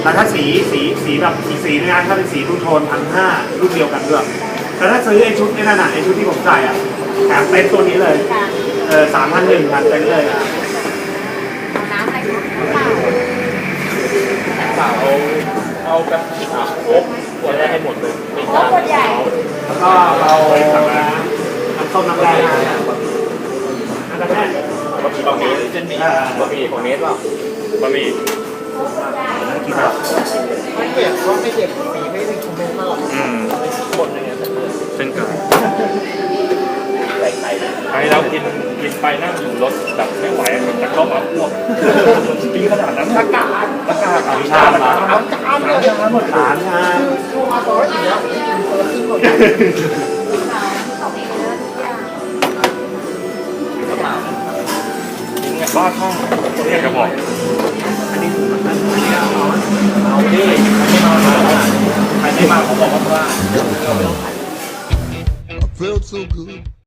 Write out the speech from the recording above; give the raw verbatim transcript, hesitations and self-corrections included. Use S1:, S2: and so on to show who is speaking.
S1: แต่ถ้าสีสีสีแบบอีกสีนึงนะถ้าเป็นสีทูโทนพันห้ารุ่นเดียวกันด้วยแต่ถ้าซื้อไอชุดนี่นั่นน่ะไอชุดที่ผมใส่อ่ะแถมเต็นท์ตัวนี้เลยเออสามพันหนึ่งพันเต็นท์เลยอ่ะ
S2: เอาน้ำอะไรเปล่า
S3: เปล่าเอาเอาแบบอ่ะโอ๊กขวดได้ให้หมดเลยไม่
S2: โอ้ขวดใหญ่
S1: แล้วก็เราน้ำส้มน้ำแดงน้ำแดง
S3: บะหมี่บะหมี่เส้นหมี่บะหมี่ของเนสเปล่าบะหมี่
S1: กี่บาท
S4: ไม่เจ็บเพราะไม่เจ็บสีไม่ได้คอมเมนต์มาหรอก
S3: อืม
S4: คนอย่างเงี้ย
S3: เส้นไก่
S4: ใส่ไข่
S3: ไอ้เรากินกินไปนั่งอยู่รถแบบไม่ไหวแต่เข้ามาอ้วกกินขนาดนั้นอากาศอากาศ
S1: สามชาติมา
S4: เอาจานเลยจานหมด
S1: สามชาติ
S4: คือมาต่ออีกแล้วคนละครึ่งหมด
S3: บ้าข้างคนอยากจะบอก
S1: อันนี้อันนี้เอา
S3: เอาดิไม่มาใครไม่มาเขาบอกว่า
S5: I felt so good.